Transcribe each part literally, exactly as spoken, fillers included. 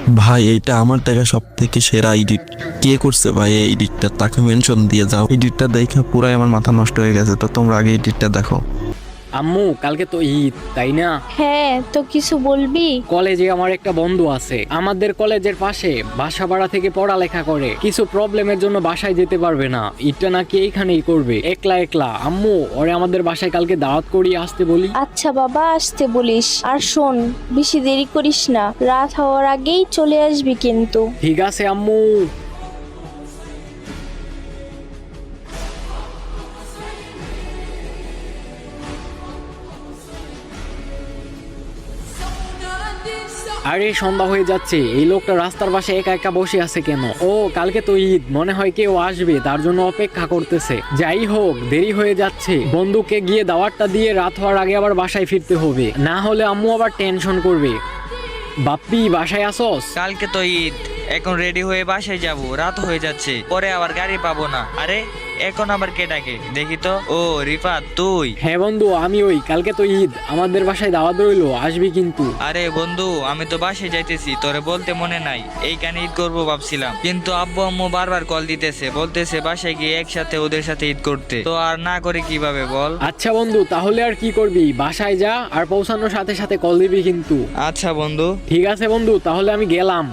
ভাই এইটা আমার দেখা সব থেকে সেরা এডিট। কে করছে ভাই এই এডিটটা? তাকে মেনশন দিয়ে যাও। এডিটটা দেখে পুরাই আমার মাথা নষ্ট হয়ে গেছে। তো তোমরা আগে এডিটটা দেখো। আম্মু কালকে তো ঈদ তাই না? হ্যাঁ, তো কিছু বলবি? কলেজে আমার একটা বন্ধু আছে, আমাদের কলেজের পাশে বাসা ভাড়া থেকে পড়ালেখা করে। কিছু প্রবলেমের জন্য বাসায় যেতে পারবে না, ঈদটা নাকি এইখানেই করবে একলা একলা। আম্মু ওরে আমাদের বাসায় কালকে দাওয়াত করিয়ে আসতে বলি। আচ্ছা বাবা, আসতে বলিস। আর শোন, বেশি দেরি করিস না, রাত হওয়ার আগেই চলে আসবি কিন্তু। ঠিক আছে আম্মু। আরে সন্ধ্যা হয়ে যাচ্ছে, এই লোকটা রাস্তার পাশে একা একা বসে আছে কেন? ও কালকে তো ঈদ, মনে হয় কেউ আসবে তার জন্য অপেক্ষা করতেছে। যাই হোক দেরি হয়ে যাচ্ছে, বন্ধুকে গিয়ে দাওয়াতটা দিয়ে রাত হওয়ার আগে আবার বাসায় ফিরতে হবে, না হলে আম্মু আবার টেনশন করবে। বাপ্পি বাসায় আসোস? কালকে তো ঈদ, এখন রেডি হয়ে বাসায় যাব, রাত হয়ে যাচ্ছে, পরে আবার গাড়ি পাবো না। আরে এখন আবার কে ডাকে দেখি তো। ও রিফাত তুই? হ্যাঁ বন্ধু আমি ওই, কালকে তো ঈদ, আমাদের বাসায় দাওয়াত রইলো, আসবি কিন্তু। আরে বন্ধু আমি তো বাসায় যাইতেছি, তোরে বলতে মনে নাই এইখানে ঈদ করবো ভাবছিলাম, কিন্তু আব্বু আম্মু বারবার কল দিতেছে, বলতেছে বাসায় গিয়ে একসাথে ওদের সাথে ঈদ করতে, তো আর না করে কিভাবে বল। আচ্ছা বন্ধু তাহলে আর কি করবি, বাসায় যা, আর পৌঁছানোর সাথে সাথে কল দিবি কিন্তু। আচ্ছা বন্ধু। ঠিক আছে বন্ধু, তাহলে আমি গেলাম।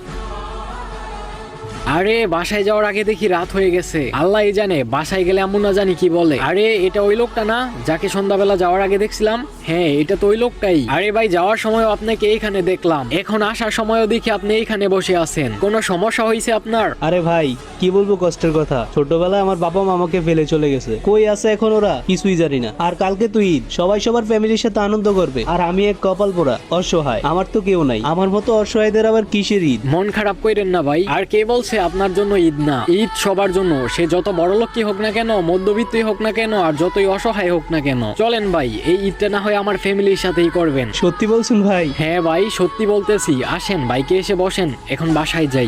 আরে বাসায় যাওয়ার আগে দেখি রাত হয়ে গেছে, আল্লাহই জানে বাসায় গেলে আম্মু না জানি কি বলে। আরে এটা ওই লোকটা না যাকে সন্ধ্যাবেলা যাওয়ার আগে দেখছিলাম? হ্যাঁ এটা তো ওই লোকটাই। আরে ভাই যাওয়ার সময় আপনাকে এইখানে দেখলাম, এখন আসার সময়ও দেখি আপনি এইখানে বসে আছেন, কোনো সমস্যা হয়েছে আপনার? আরে ভাই কি বলবো কষ্টের কথা, ছোটবেলায় আমার বাবা মা আমাকে ফেলে চলে গেছে, কই আছে এখন ওরা কিছুই জানি না। আর কালকে তো ঈদ, সবাই সবার ফ্যামিলির সাথে আনন্দ করবে, আর আমি এক কপাল পোড়া অসহায়, আমার তো কেউ নাই। আমার মতো অসহায়দের আবার কিসের ঈদ? মন খারাপ করেন না ভাই, আর কে বলছে আপনার জন্য ঈদ না? ঈদ সবার জন্য, সে যত বড় লোকই হোক না কেন, মধ্যবিত্তই হোক না কেন, আর যতই অসহায় হোক না কেন। চলেন ভাই এই ঈদটা না হয় আমার ফ্যামিলির সাথেই করবেন। সত্যি বলছেন ভাই? হ্যাঁ ভাই সত্যি বলতেছি, আসেন বাইকে এসে বসেন, এখন বাসায় যাই।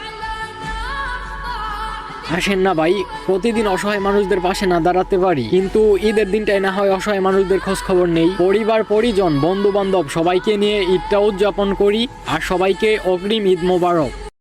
আসেন না ভাই, প্রতিদিন অসহায় মানুষদের পাশে না দাঁড়াতে পারি, কিন্তু ঈদের দিনটাই না হয় অসহায় মানুষদের খোঁজ খবর নেই। পরিবার পরিজন বন্ধু বান্ধব সবাইকে নিয়ে ঈদটা উদযাপন করি, আর সবাইকে অগ্রিম ঈদ মোবারক।